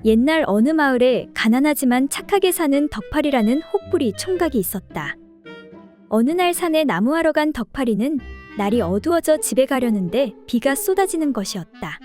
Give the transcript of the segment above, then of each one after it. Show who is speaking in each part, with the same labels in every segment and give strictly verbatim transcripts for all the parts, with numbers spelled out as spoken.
Speaker 1: 옛날 어느 마을에 가난하지만 착하게 사는 덕팔이라는 혹부리 총각이 있었다. 어느 날 산에 나무하러 간 덕팔이는 날이 어두워져 집에 가려는데 비가 쏟아지는 것이었다.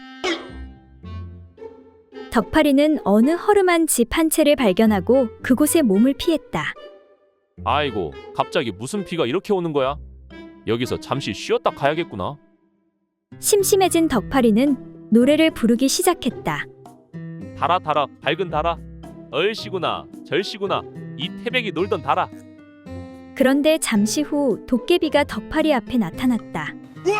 Speaker 1: 덕팔이는 어느 허름한 집 한 채를 발견하고 그곳에 몸을 피했다.
Speaker 2: 아이고, 갑자기 무슨 비가 이렇게 오는 거야? 여기서 잠시 쉬었다 가야겠구나.
Speaker 1: 심심해진 덕팔이는 노래를 부르기 시작했다.
Speaker 2: 달아 달아 밝은 달아, 얼씨구나 절씨구나 이 태백이 놀던 달아.
Speaker 1: 그런데 잠시 후 도깨비가 덕팔이 앞에 나타났다.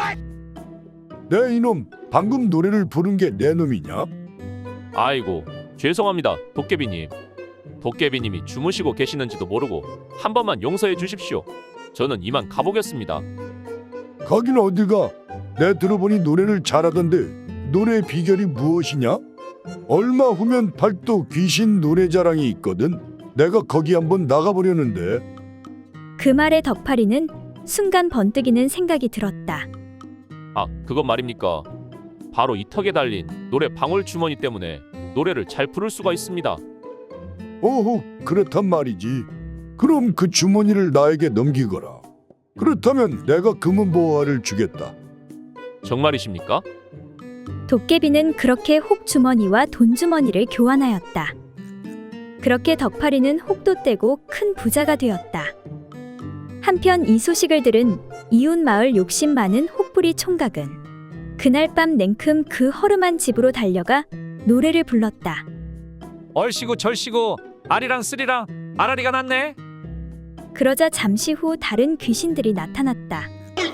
Speaker 3: 내 이놈, 방금 노래를 부른 게 내 놈이냐?
Speaker 2: 아이고, 죄송합니다 도깨비님. 도깨비님이 주무시고 계시는지도 모르고 한 번만 용서해 주십시오. 저는 이만 가보겠습니다.
Speaker 3: 가긴 어디가? 내 들어보니 노래를 잘하던데 노래의 비결이 무엇이냐? 얼마 후면 팔도 귀신 노래 자랑이 있거든. 내가 거기 한번 나가보려는데.
Speaker 1: 그 말에 덕팔이는 순간 번뜩이는 생각이 들었다.
Speaker 2: 아, 그건 말입니까? 바로 이 턱에 달린 노래 방울 주머니 때문에 노래를 잘 부를 수가 있습니다.
Speaker 3: 오호, 그렇단 말이지. 그럼 그 주머니를 나에게 넘기거라. 그렇다면 내가 금은 보화를 주겠다.
Speaker 2: 정말이십니까?
Speaker 1: 도깨비는 그렇게 혹주머니와 돈주머니를 교환하였다. 그렇게 덕팔이는 혹도 떼고 큰 부자가 되었다. 한편 이 소식을 들은 이웃 마을 욕심 많은 혹부리 총각은 그날 밤 냉큼 그 허름한 집으로 달려가 노래를 불렀다.
Speaker 4: 얼씨구 절씨구 아리랑 쓰리랑 아라리가 났네.
Speaker 1: 그러자 잠시 후 다른 귀신들이 나타났다.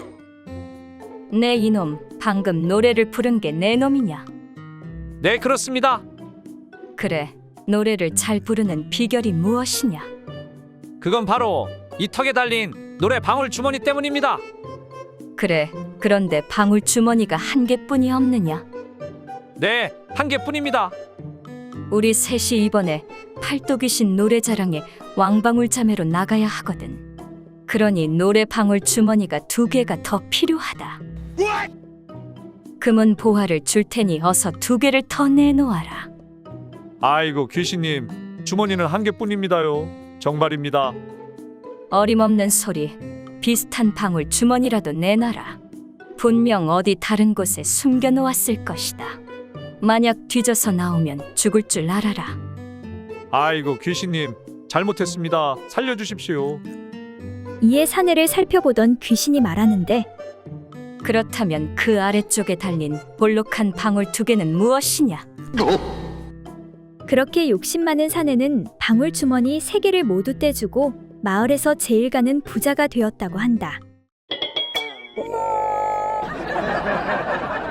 Speaker 5: 내 이놈, 방금 노래를 부른 게 내 놈이냐?
Speaker 4: 네, 그렇습니다.
Speaker 5: 그래, 노래를 잘 부르는 비결이 무엇이냐?
Speaker 4: 그건 바로 이 턱에 달린 노래 방울 주머니 때문입니다.
Speaker 5: 그래, 그런데 방울 주머니가 한 개뿐이 없느냐?
Speaker 4: 네, 한 개뿐입니다.
Speaker 5: 우리 셋이 이번에 팔도귀신 노래자랑에 왕방울 자매로 나가야 하거든. 그러니 노래 방울 주머니가 두 개가 더 필요하다. 금은 보화를 줄 테니 어서 두 개를 더 내놓아라.
Speaker 4: 아이고 귀신님, 주머니는 한 개뿐입니다요. 정말입니다.
Speaker 5: 어림없는 소리. 비슷한 방울 주머니라도 내놔라. 분명 어디 다른 곳에 숨겨놓았을 것이다. 만약 뒤져서 나오면 죽을 줄 알아라.
Speaker 4: 아이고 귀신님, 잘못했습니다. 살려주십시오.
Speaker 1: 이에 사내를 살펴보던 귀신이 말하는데
Speaker 5: 그렇다면 그 아래쪽에 달린 볼록한 방울 두 개는 무엇이냐?
Speaker 1: 그렇게 욕심 많은 사내는 방울 주머니 세 개를 모두 떼주고 마을에서 제일 가는 부자가 되었다고 한다.